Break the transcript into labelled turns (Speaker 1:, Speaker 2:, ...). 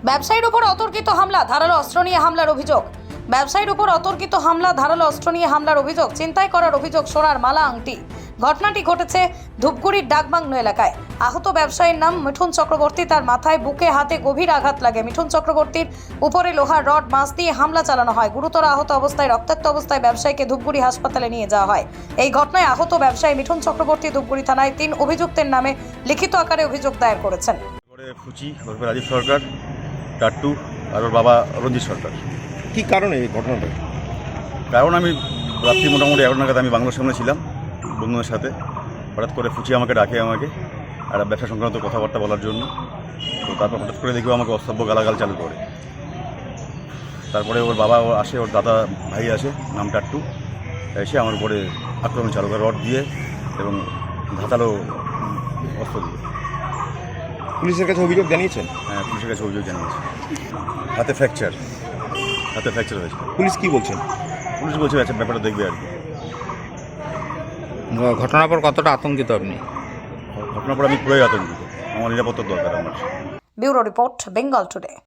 Speaker 1: ব্যবসায়ীর উপর অতর্কিত হামলা, ধারালো অস্ত্র নিয়ে হামলার অভিযোগ। ব্যবসায়ীর উপর অতর্কিত হামলা, ধারালো অস্ত্র নিয়ে হামলার অভিযোগ। ছিনতাই করার অভিযোগ, সোনার মালা, আংটি। ঘটনাটি ঘটেছে ধূপগুড়ির ডাকবাংলো এলাকায়। আহত ব্যবসায়ীর নাম মিঠুন চক্রবর্তী। তার মাথায়, বুকে, হাতে গভীর আঘাত লাগে। মিঠুন চক্রবর্তীর উপরে লোহার রড, বাঁশ দিয়ে হামলা চালানো হয়। গুরুতর আহত অবস্থায়, রক্তাক্ত অবস্থায় ব্যবসায়ীকে ধূপগুড়ি হাসপাতালে নিয়ে যাওয়া হয়। এই ঘটনায় আহত ব্যবসায়ী মিঠুন চক্রবর্তী ধূপগুড়ি থানায় 3 অভিযুক্তের নামে লিখিত আকারে অভিযোগ দায়ের করেছেন।
Speaker 2: ফুচি ওরফে রাজীব সরকার, টাট্টু আর ওর বাবা রঞ্জিত সরকার।
Speaker 3: কি কারণে এই ঘটনাটা?
Speaker 2: কারণ আমি রাত্রি মোটামুটি 11 নাগাদ আমি বাংলোর সামনে ছিলাম বন্ধুদের সাথে। হঠাৎ করে ফুচি আমাকে ডাকে, আমাকে একটা ব্যবসা সংক্রান্ত কথাবার্তা বলার জন্য। তো তারপর হঠাৎ করে দেখি আমাকে অসভ্য গালাগাল চালু করে। তারপরে ওর বাবা আসে, ওর দাদা ভাই আসে, নাম টাট্টু, এসে আমার উপরে আক্রমণ চালু করে রড দিয়ে এবং ধাতালো অস্ত্র দিয়ে।
Speaker 3: পুলিশের কাছে অভিযোগ জানিয়েছেন?
Speaker 2: হ্যাঁ, পুলিশের কাছে অভিযোগ জানিয়েছে। হাতে ফ্র্যাকচার হয়েছে।
Speaker 3: পুলিশ কি বলছেন?
Speaker 2: পুলিশ বলছে আচ্ছা ব্যাপারটা দেখবে আর কি।
Speaker 4: ঘটনার পর কতটা আতঙ্কিত আপনি?
Speaker 2: ঘটনার পর আমি পুরোই আতঙ্কিত। আমার নিরাপত্তার দরকার আমার।
Speaker 1: Bureau report, Bengal today.